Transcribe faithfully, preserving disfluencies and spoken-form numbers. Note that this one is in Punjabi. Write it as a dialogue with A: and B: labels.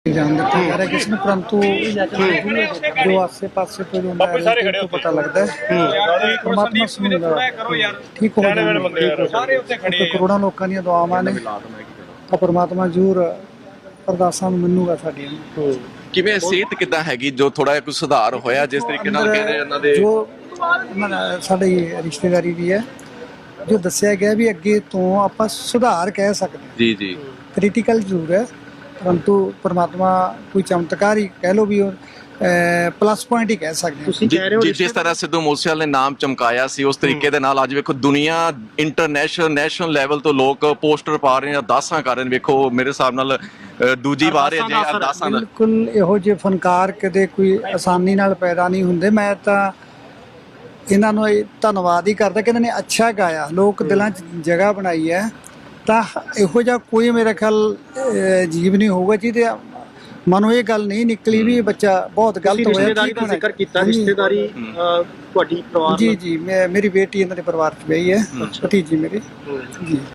A: ਜਾਣ ਦਿੱਤਾ ਜਾ ਰਿਹਾ ਕਿਸੇ ਨੂੰ, ਪਰੰਤੂ ਜੋ ਆਸੇ ਪਾਸੇ ਤੋਂ ਜੋ ਤੋਂ ਪਤਾ ਲੱਗਦਾ ਹੈ ਪਰਮਾਤਮਾ ਸੁਣੇਗਾ, ਠੀਕ ਹੋ ਜਾਣਗੇ। ਕਰੋੜਾਂ ਲੋਕਾਂ ਦੀਆਂ ਦੁਆਵਾਂ ਨੇ ਤਾਂ ਪਰਮਾਤਮਾ ਜ਼ਰੂਰ ਅਰਦਾਸਾਂ ਨੂੰ ਮੰਨੂਗਾ ਸਾਡੀਆਂ।
B: ਕਿਵੇਂ ਸਿਹਤ ਕਿੱਦਾਂ ਹੈਗੀ, ਜੋ ਥੋੜਾ ਜਿਹਾ ਕੁਝ ਸੁਧਾਰ ਹੋਇਆ ਜਿਸ ਤਰੀਕੇ ਨਾਲ ਕਹਿ ਰਹੇ ਉਹਨਾਂ ਦੇ?
A: ਜੋ ਸਾਡੀ ਰਿਸ਼ਤੇਦਾਰੀ ਵੀ ਹੈ, ਜੋ ਦੱਸਿਆ ਗਿਆ ਵੀ ਅੱਗੇ ਤੋਂ ਆਪਾਂ ਸੁਧਾਰ ਕਹਿ ਸਕਦੇ ਹਾਂ।
B: ਜੀ ਜੀ
A: ਕ੍ਰਿਟੀਕਲ ਜ਼ਰੂਰ ਹੈ, ਪਰੰਤੂ ਪਰਮਾਤਮਾ ਕੋਈ ਚਮਤਕਾਰ ਹੀ ਕਹਿ ਲਓ ਵੀ ਉਹ ਪਲੱਸ ਪੁਆਇੰਟ ਹੀ ਕਹਿ ਸਕਦੇ ਹਾਂ।
C: ਤੁਸੀਂ ਕਹਿ ਰਹੇ ਹੋ
B: ਜਿਸ ਤਰ੍ਹਾਂ ਸਿੱਧੂ ਮੂਸੇਵਾਲੇ ਨੇ ਨਾਮ ਚਮਕਾਇਆ ਸੀ, ਉਸ ਤਰੀਕੇ ਦੇ ਨਾਲ ਅੱਜ ਵੇਖੋ ਦੁਨੀਆ ਇੰਟਰਨੈਸ਼ਨਲ ਨੈਸ਼ਨਲ ਲੈਵਲ ਤੋਂ ਲੋਕ ਪੋਸਟਰ ਪਾ ਰਹੇ ਨੇ, ਅਰਦਾਸਾਂ ਕਰ ਰਹੇ ਨੇ। ਵੇਖੋ ਮੇਰੇ ਹਿਸਾਬ ਨਾਲ ਦੂਜੀ ਵਾਰ ਹੈ ਜੇ ਅਰਦਾਸਾਂ ਦਾ।
A: ਬਿਲਕੁਲ ਇਹੋ ਜਿਹੇ ਫਨਕਾਰ ਕਦੇ ਕੋਈ ਆਸਾਨੀ ਨਾਲ ਪੈਦਾ ਨਹੀਂ ਹੁੰਦੇ। ਮੈਂ ਤਾਂ ਇਹਨਾਂ ਨੂੰ ਧੰਨਵਾਦ ਹੀ ਕਰਦਾ ਕਿ ਇਹਨਾਂ ਨੇ ਅੱਛਾ ਗਾਇਆ, ਲੋਕ ਦਿਲਾਂ 'ਚ ਜਗ੍ਹਾ ਬਣਾਈ ਹੈ। ਤਾਂ ਇਹੋ ਜਿਹਾ ਕੋਈ ਮੇਰੇ ਖਿਆਲ ਜੀਵ ਨਹੀਂ ਹੋਊਗਾ ਜਿਹਦੇ ਮਨੋਂ ਇਹ ਗੱਲ ਨਹੀਂ ਨਿਕਲੀ ਵੀ ਬੱਚਾ ਬਹੁਤ ਗਲਤ ਹੋਇਆ।
C: ਰਿਸ਼ਤੇਦਾਰੀ ਦਾ ਜ਼ਿਕਰ ਕੀਤਾ, ਰਿਸ਼ਤੇਦਾਰੀ ਤੁਹਾਡੀ ਪਰਿਵਾਰ
A: ਜੀ ਜੀ ਮੈਂ ਮੇਰੀ ਬੇਟੀ ਇਹਨਾਂ ਦੇ ਪਰਿਵਾਰ 'ਚ ਗਈ ਹੈ, ਭਤੀਜੀ ਮੇਰੀ ਜੀ।